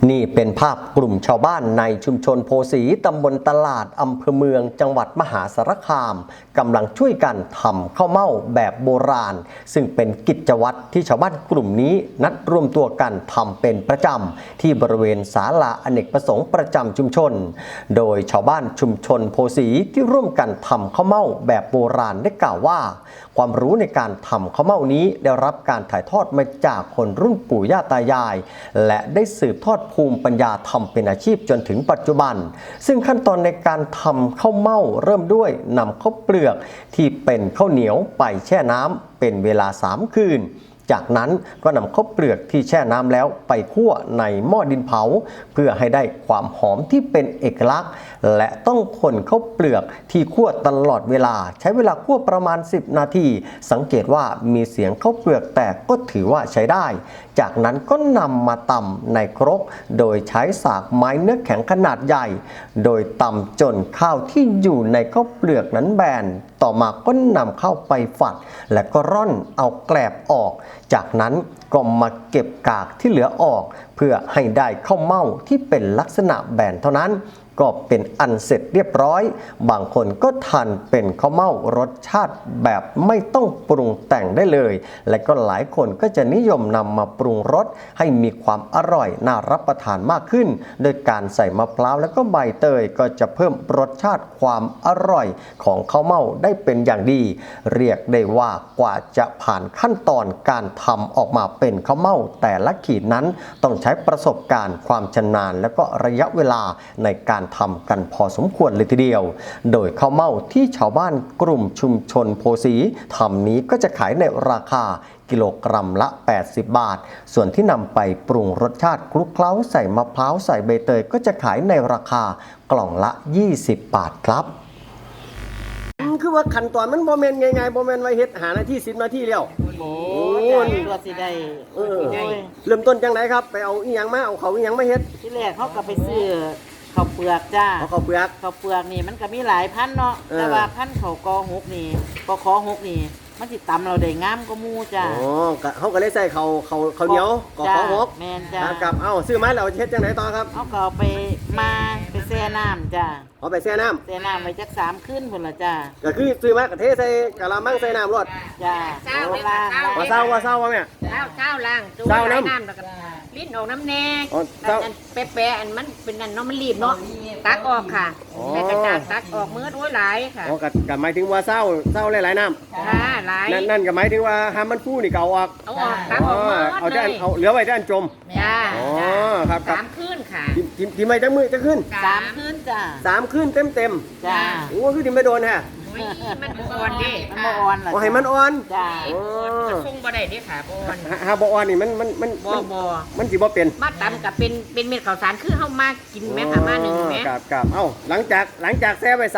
นี่เป็นภาพกลุ่มชาวบ้านในชุมชนโพสีตำบลตลาดอำเภอเมืองจังหวัดมหาสารคามกำลังช่วยกันทำข้าวเม่าแบบโบราณซึ่งเป็นกิจวัตรที่ชาวบ้านกลุ่มนี้นัดรวมตัวกันทำเป็นประจำที่บริเวณศาลาอเนกประสงค์ประจำชุมชนโดยชาวบ้านชุมชนโพสีที่ร่วมกันทำข้าวเม่าแบบโบราณได้กล่าวว่าความรู้ในการทำข้าวเม่านี้ได้รับการถ่ายทอดมาจากคนรุ่นปู่ย่าตายายและได้สืบทอดภูมิปัญญาทำเป็นอาชีพจนถึงปัจจุบันซึ่งขั้นตอนในการทำข้าวเม่าเริ่มด้วยนำข้าวเปลือกที่เป็นข้าวเหนียวไปแช่น้ำเป็นเวลา3 คืนจากนั้นก็นำข้าวเปลือกที่แช่น้ำแล้วไปคั่วในหม้อดินเผาเพื่อให้ได้ความหอมที่เป็นเอกลักษณ์และต้องคนข้าวเปลือกที่คั่วตลอดเวลาใช้เวลาคั่วประมาณ10 นาทีสังเกตว่ามีเสียงข้าวเปลือกแตกก็ถือว่าใช้ได้จากนั้นก็นำมาตำในครกโดยใช้สากไม้เนื้อแข็งขนาดใหญ่โดยตำจนข้าวที่อยู่ในข้าวเปลือกนั้นแบนต่อมาก็นำเข้าไปฝัดและก็ร่อนเอาแกลบออกจากนั้นก็มาเก็บกากที่เหลือออกเพื่อให้ได้ข้าวเม่าที่เป็นลักษณะแบนเท่านั้นก็เป็นอันเสร็จเรียบร้อยบางคนก็ทานเป็นข้าวเม่ารสชาติแบบไม่ต้องปรุงแต่งได้เลยและก็หลายคนก็จะนิยมนำมาปรุงรสให้มีความอร่อยน่ารับประทานมากขึ้นโดยการใส่มะพร้าวและก็ใบเตยก็จะเพิ่มรสชาติความอร่อยของข้าวเม่าได้เป็นอย่างดีเรียกได้ว่ากว่าจะผ่านขั้นตอนการทำออกมาเป็นข้าวเม่าแต่ละขีดนั้นต้องใช้ประสบการณ์ความชำนาญและก็ระยะเวลาในการทำกันพอสมควรเลยทีเดียวโดยข้าวเม่าที่ชาวบ้านกลุ่มชุมชนโพสีทำนี้ก็จะขายในราคากิโลกรัมละ80 บาทส่วนที่นำไปปรุงรสชาติคลุกเคล้าใส่มะพร้าวใส่ใบเตยก็จะขายในราคากล่องละ20 บาทครับคือว่าขั้นตอนมันโมเมนต์ไงโมเมนต์ไว้เฮ็ดหานาที10 นาทีแล้วโอ้ตัวสิได้เริ่มต้นจังไหนครับไปเอาอีหยังมาเอาเขาอีหยังมาเฮ็ดที่แรกเขาก็ไปซื้อข้าวเปลือกจ้าข้าวเปลือกนี่มันก็มีหลายพันเนาะแต่ว่าพันข้าวกอหกนี่กอขอหกนี่มันสิตำเราได้งามก็มูจ้าอ๋อเขาก็เลยใส่ข้าวเหนียวกอขอหกแม่นจ้ากับซื้อมาแล้วเฮ็ดจังไหนต่อครับเขาก็เอาไปแช่น้ำจ้าเอาไปแช่น้ำไว้จัก3 คืนพุ่นละจ้าก็คือซื้อมากระเทใส่กะละมังใส่น้ำรดจ้าล้างว่าเศร้าว่าแม่เช้าล้างเศร้าน้ำแล้วก็ลิ้นออกน้ำแน่แปะอันมันเป็นนั่นเนาะมันรีบเนาะตักออกค่ะแม่กระจาดตักออกมือโอ้ยหลายค่ะอ๋อกับหมายถึงว่าเศร้าหลายน้ำค่ะหลายนั่นก็หมายถึงว่าห้ามมันฟูนี่เก่าออกเอาออกตักออกมือเอาได้เอาเหลือไว้ได้อันจมจ้าอ๋อครับ 3 คืนค่ะทีไม่จังมือจะขึ้น 3 คืนจ้า 3 คืนเต็มจ้าโอ้คือทีไม่โดนฮะมันอ่อนดิมันอ่อนเหรอให้มันอ่อนจ้าส่งบ่ได้ดิค่ะบ่อ่อนบ่อ่อนนี่มันสิบ่เป็นมาตำกับเป็นเม็ดข้าวสารคือเฮามากินแม่ค่ะมา1แม่ครับหลังจากแช่ไว้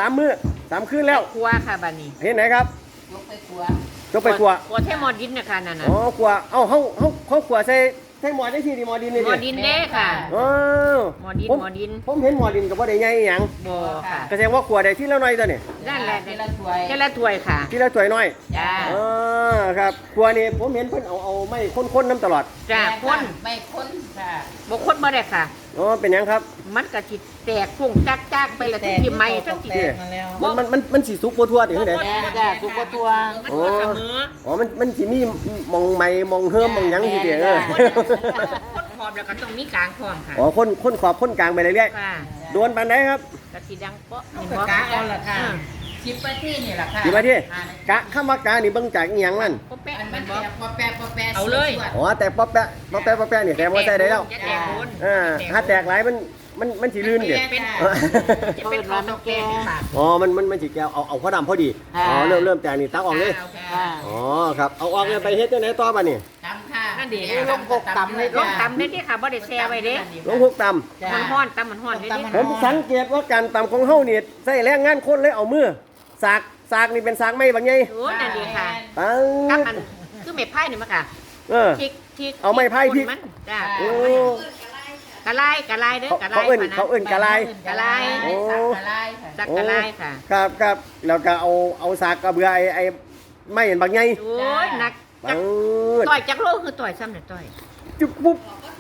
3 คืนแล้วครัวค่ะบัดนี้เห็นไหนครับยกไปครัวแท้หม้อดินน่ะค่ะนั่นน่ะอ๋อครัวเขาครัวใส่หม้อได้ที่หม้อดินนี่หม้อดินแน่ค่ะหม้อดินผมเห็นหม้อดินก็บ่ได้ใหญ่หยังบ่ค่ะก็แสดงว่าครัวได้ที่ละน้อยตัวนี่นั่นแหละทีละถ้วยค่ะที่ละถ้วยน้อยจ้าครับครัวนี่ผมเห็นเพิ่นเอาไม้ค้นๆน้ำตลอดจ้าค้นไม่ค้นค่ะบ่ค้นบ่ได้ค่ะอ๋อเป็นหยังครับมันก็สิแตกฟุ้งจักๆไปละที่ไม้ทั้งที่มันสิสุกบ่ทั่วติคือได๋จ้าสุกบ่ทั่วอ๋อมันสิมีมองไม้มองเฮิมมองหยังสิเด้อคนขอบแล้วก็ต้องมีกลางพร้อมค่ะอ๋อคนขอบคนกลางไปเรื่อยๆโดนปานใดครับก็สิดังเปาะนี่บ่กะเอาล่ะค่ะ10 นาทีนี่ล่ะค่ะ 10 นาทีกะคำว่ากะนี่เบิ่งจากอีหยังมันปอแปะมันบ่ปอแปะเอาเลยอ๋อแต่ปอแปะนี่แต่บ่ใส่ได้แล้วถ้าแตกหลายมันสิลื่นดิเป็นข้าวตอกแกงค่ะอ๋อมันสิแก้วเอาพอดำพอดีอ๋อเริ่มแต่นี่ตักออกเลยอ๋อครับเอาออกเลยไปเฮ็ดจังได๋ต่อบัดนี้ตำค่ะนั่นดิลงหกตำเลยลงตำนี่ค่ะบ่ได้แช่ไว้เด้ลงหกตำมันฮ้อนตำมันฮ้อนเด้ผมสังเกตว่าการตำของเฮานี่ใช้แรงงานคนเลยเอามือสากนี่เป็นสากไม้บางใหญ่โอ้นั่นดิค่ะกับมันคือไม้ไผ่นี่มั้งค่ะทิกเอาไม้ไผ่ทิกจ้าโอ้กะไลเด้อกะไลเขาเอิ้นกะไลโอ้จักกะไลค่ะครับแล้วก็เอาสากกระเบือไอ้ไม้เห็นบางใหญ่โอ้ยหนักต่อยจักโลคือต่อยซ้ำเนี่ยต่อยจุ๊บปุ๊บ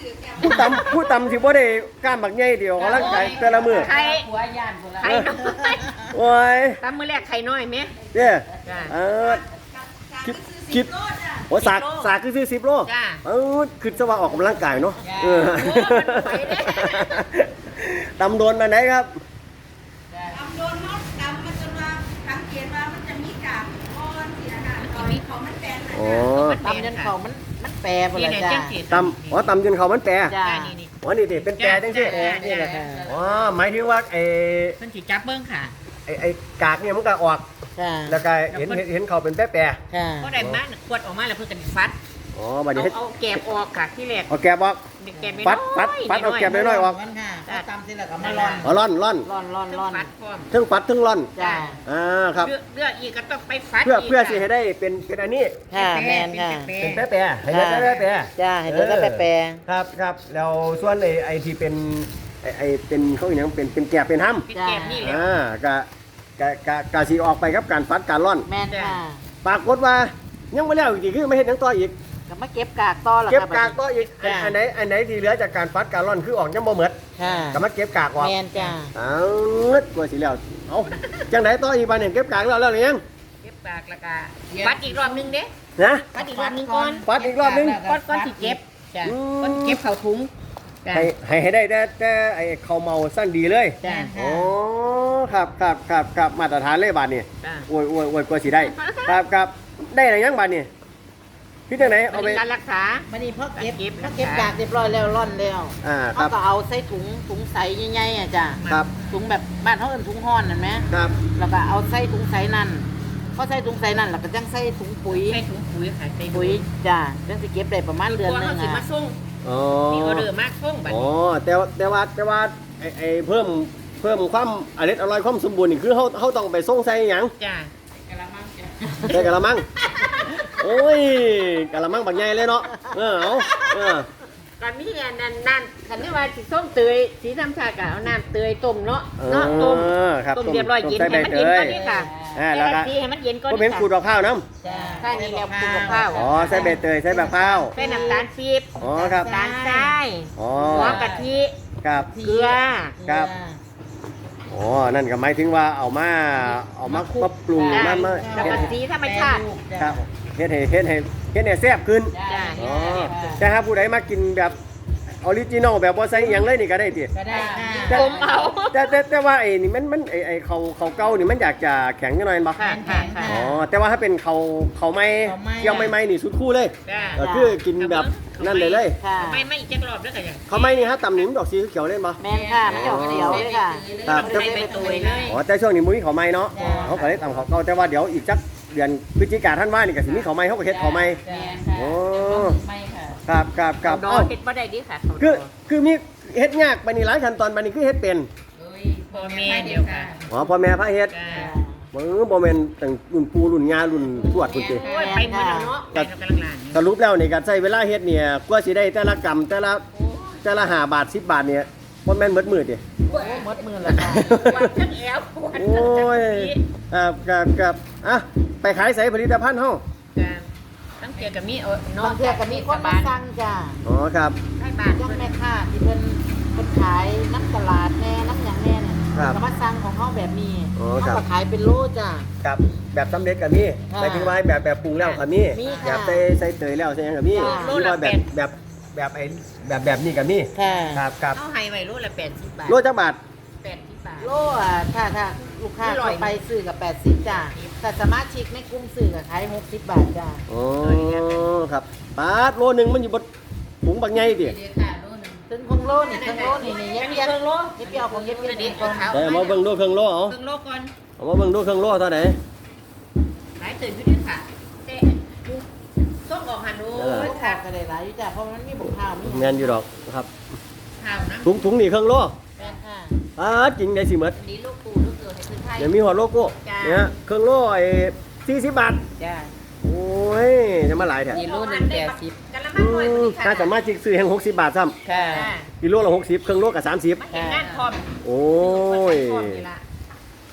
ผู้ตำสิบ่ได้กล้ามบักใหญ่เดียวกำลังกายแต่ละมื้อไข่หัวย่านพุ่นละไข่น้อยโอ้ยตามมื้อแรกไข่น้อยไหมเด้จ้าคิดโอ้สากคือซื้อ10 โลจ้าคือจะว่าออกกำลังกายเนาะโอ้มันไปเด้ตำโดนมาไหนครับตำโดนมดตำมันจนว่าสังเกตว่ามันจะมีกากก้อนเสียค่ะตอนนี้เขามันแปลนนะอ๋อตำยันเขามันแปรพุ่นนี่ละเนี่ยจ้าเจ้าสีตำจนเขามันแปรจ้านี่อ๋อนี่เป็นแปรจังซี่นี่แหละค่ะอ๋อหมายถึงว่าไอ้เพิ่นสิจับเบิ่งค่ะไอ้กากเนี่ยมันก็ออกจ้าแล้วก็เห็นเขาเป็นแปรค่ะพอได้มาขวดออกมาแล้วเพิ่นก็สิฟัดๆอ๋อบัดนี้เฮ็ดเอาแกบออกค่ะที่แรกเอาแกบออกแกบไม่ฟัดเอาแกบน้อยๆออกมันค่ะถ้าตำเสร็จแล้วก็มาร่อนอ๋อร่อนร่อนฟัดพร้อมทั้งฟัดทั้งร่อนจ้าครับเลือกอีกก็ต้องไปฟัดเพื่อสิให้ได้เป็นอันนี้ค่ะแมนค่ะเป็นแปรๆให้ได้แปรๆจ้าให้เดี๋ยวก็แปรครับแล้วส่วนไอ้ที่เป็นไอ้เป็นเขาอย่างเป็นแกบเป็นห้ำเป็นแกบนี่แหละกะสีออกไปครับการฟัดการร่อนแมนค่ะปรากฏว่ายังไม่แล้วอีกทีคือไม่เห็นยังต่ออีกก็มาเก็บกากต่อละเก็บค่ะกากต่ออีกจ้ะอันไหนที่เหลือจากการฟัดการร่อนคือออกยังบ่หมดค่ะก็มาเก็บกากออกแมนจ้าเอากว่าสิแล้วเอาจังไหนต่ออีกบานเนี่ยเก็บกากแล้วหรือยังเก็บปากแล้วก็ฟัดอีกรอบนึงเด้นะฟัดอีกรอบนึงก่อนฟัดอีกรอบนึงก้อนสิเก็บจ้ะอืมก้อนสิเก็บเข้าถุงจ้ะให้ได้แต่ไอ้ข้าวเมาสั้นดีเลยจ้ะโอ้ครับมาตรฐานเลยบาทนี่จ้ะโอ้ยกว่าสิได้ครับได้อะไรยังบาทนี่พี่จังไหนเอาไปการรักษามันนี่พอเก็บเก็บพอเก็บกากเรียบร้อยแล้วร่อนแล้วคเขารับก็เอาใส่ถุงใสใหญ่ๆอ่ะจ้าครับถุงแบบบ้านเขาเอิ้นถุงห่อนนั่นไหมครับแล้วก็เอาใส่ถุงใสนั่นพอใส่ถุงใสนั่นแล้วก็จังใส่ถุงปุ๋ยใส่ถุงปุ๋ยค่ะใส่ปุ๋ยจ้าจังสิเก็บได้ประมาณเดือนหนึงเขาสิมาอ่ะส่งอ๋อมีออเดอร์มากส่งบัดอ๋อนี้แต่ว่าไอ้เพิ่มความอร่อยความสมบูรณ์นี่คือเขาต้องไปส่งใส่หยังจ้ะใส่กะละมังโอ้ยกะละมังบักใหญ่เลยเนาะเอาเออก่อนมีอันนั่นคันนี้ว่าสิส้มเตยสีธรรมชาติก็เอาน้ำเตยต้มเนาะต้มครับต้มเรียบร้อยเย็นใส่ให้ใบมันเตเย็นยก่อนนี่ค่ะแล้วก็ทีให้มันเย็นก่อนก็เป็นขูดดอกข้าวน้จ้าใช่นี่แล้วขูดกับข้าวำอ๋อใส่ใบเตยใส่แบบข้าวใส่น้ำตาลปี๊บอ๋อครับน้ำตาลทรายอ๋อหัวกะทิครับเกลือครับ อ๋อนั่นก็หมายถึงว่าเอามาปรุงมาแล้วก็สีธรรมชาติครับเฮ็ดให้แซ่บขึ้นจ้ะอ๋อแต่ถ้าผู้ใดมากินแบบออริจินอลแบบบ่ใส่หยังเลยนี่ก็ได้ติก็ได้ค่ะผมเอาแต่ว่าไอ้นี่มันไอ้เขาเก่านี่มันอยากจะแข็งจังหน่อยบ่ค่ะค่ะค่ะอ๋อแต่ว่าถ้าเป็นเขาไม่เคี่ยวไม่นี่สุดคู่เลยจ้ะก็คือกินแบบนั่นเลยค่ะไม่อีกจักรอบแล้วก็อย่างเขาไม่นี่ฮะตำนี่มันดอกสีเขียวเล่นบ่แมนค่ะมันจะออกเขียวเลยค่ะครับใส่ใบเตยเลยอ๋อแต่ช่วงนี้มุ้ยเขาไม่เนาะจ้ะเขาก็เลยตำเขาเก่าแต่ว่าเดี๋ยวอีกจักเดือนพฤศจิกาท่านว่านี่ก็สิมีเขาไม่เขาก็เฮ็ดเขาไม่แมนค่ะโอ้ไม่ค่ะครับดอเอ้าเฮ็ดบ่ได้ดีค่ะคือมีเฮ็ดยากปานนี้หลายขั้นตอนปานนี้คือเฮ็ดเป็นพ่อแม่เดียวค่ะอ๋อพ่อแม่พาเฮ็ดจ้ะบ่แม่นตั้งรุ่นปู่รุ่นย่ารุ่นทวดพุ่นติโอ้ยไปหมดแล้วเนาะไปกำลังลานสรุปแล้วนี่ก็ใช้เวลาเฮ็ดเนี่ยกว่าสิได้แต่ละกรัมแต่ละ5 บาท 10 บาทเนี่ยบ่แม่นหมดมื้อติโอ้หมดมือแล้วค่ะวันทั้งแอววันโอ้ยครับอ่ะไปขายใส่ผลิตภัณฑ์เฮาตั้งเกียกับมีเนาะบางเทีก็มีคนมาสั่งจ้าอ๋อครับให้บาทย่างแม่ค้าที่เพิ่นขายน้ำตลาดแน่น้ำหยังแน่เนี่ยครับก็มาสั่งของเขาแบบนี้อ๋อเขาครับก็ขายเป็นโลจ้าครับแบบสำเร็จก็มีค่ะหมายถึงว่าแบบปรุงแล้วก็มีมีแบค่ะบใส่เตยแล้วใส่หยังก็มีค่ะหรือว่าแบบนี้ก็มีค่ะครับเอาให้ไว้รู้ละ80 บาทโลจักบาท 80 บาทโลอ่ะถ้าลูกค้าไม่ร้อยเข้าไปซื้อกับ80จ้าแต่สมาชิกในกลุ่มซื้อก็ขาย60 บาทจ้าอ๋อครับบาทโลหนึงมันอยู่บนถุงบักใหญ่ติถึงคงโลนี่ครึ่งโลนี่เย็บเย็บเย็บเปียวของเย็บเปียวนี่ของแต่เอามาเบิ่งดูเครื่องโลเอาครึ่งโลก่อนเอามาเบิ่งดูเครื่องโลเท่าไหร่ขายตื่นขึ้นด้วยค่ะแต่ส่งออกหันดูโอ้ยขายก็ได้หลายอยู่จ้าเพราะมันมีบุกข้าวมีแม่นอยู่ดอกครับข้าวนะถุงนี่เครื่องโลแม่นค่ะจริงได้สิหมดนี่ลูกปู่ลูกเกิดให้คือไทยเดี๋ยวมีหัวโลโก้จ้าเนี่ยเครื่องโลไอ้40 บาทจ้าโอ้ยจะมาหลายแท้กิโลหนึ่ง80 กันละมันหน่วยถ้าสามารถจิกซื้อแห่ง60 บาทซ้ำค่ะกิโลละ60เครื่องโลกับ30 มาเห็นงานพร้อมโอ้ยพร้อมนี่ละ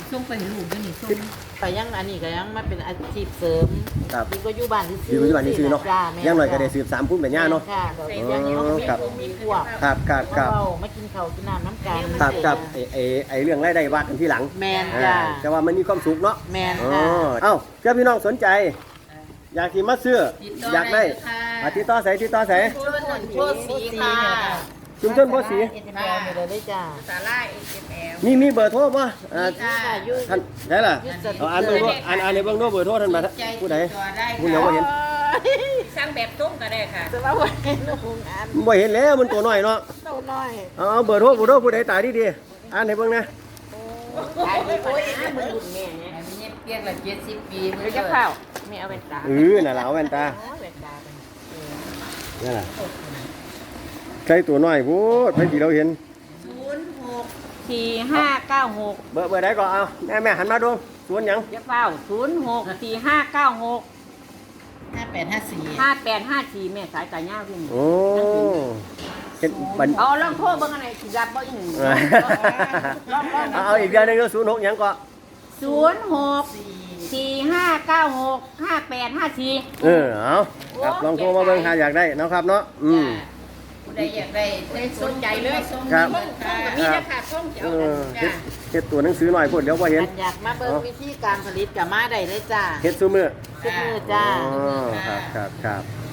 ส่งไปให้ลูกด้วยนี่ส่งไปยังอันนี้ก็ยังมาเป็นอาชีพเสริมครับดีก็อยู่บ้านที่อยู่ปัจจุบันนี้ซื้อเนาะจ้แม่อย่างหน่อยก็ได้สืบสามพุ่มแบบย่าเนาะค่ะก็ใส่ยังเสื้อมีครับมีพวกครับครับครับเรามากินข้าวกินน้ำน้ำกันครับไอ้เรื่องรายได้ว่ากันที่หลังแมนจ้าแต่ว่ามันมีความสุขเนาะแมนอ๋อค่ะเอ้าเจ้าพี่น้องสนใจ อยากที่มาซื้ออยากได้ติดต่อใส่ติดต่อใส่โชว์สีค่ะชุมชนโพสีเอ็นแอลเลยได้จ้าสาลาย SML มีเบอร์โทรป่ะค่ะอยู่ท่านได้ล่ะยุทธศาสตร์เอาอ่านเบอร์โทรอ่านในเบื้องโน้เบอร์โทรท่านมาผู้ใดผู้เดียวบ่เห็นสร้างแบบต้มก็ได้ค่ะจะว่าวันนี้ลูกงานบ่เห็นแล้วมันตัวน้อยเนาะเต้าน้อยเอาเบอร์โทรผู้ใดตายดีๆอ่านให้เบิ่งนะขายดีกว่านะมือรุ่นแม่เนี่ยอันนี้เปียกละ70 ปีมือจะเข้าไม่เอาแว่นตาน่ะล่ะเอาแว่นตาโอ้ยแว่นตาเป็นนั่นล่ะใครตัวน้อยพูดไปที่เราเห็น 4596 เบอร์ใดก็เอาแม่หันมาดูสวนหยังจะเฝ้า064596 5854 5854แม่สายตายาววิ่งโอ้เห็นบันเอาลองโทรเบิ่งอันไหนสิรับบ่อีหนึ่งลองเอาอีกอย่างหนึงก็06หยังก็ 0645965854 เอาครับลองโทรมาเบิ่งหาอยากได้เนาะครับเนาะได้อยากได้สนใจเลยครับส่งกับมีราคาส่งจะเอเอาอจ้ะเฮ็ดตัวหนังสือหน่อยพูดเดี๋ยวบ่เห็นอันอยากมาเบิ่งวิธีการผลิตกับมาได้เลยจ้าเฮ็ดซุมื้อทุกมือจ้าอ๋อครับ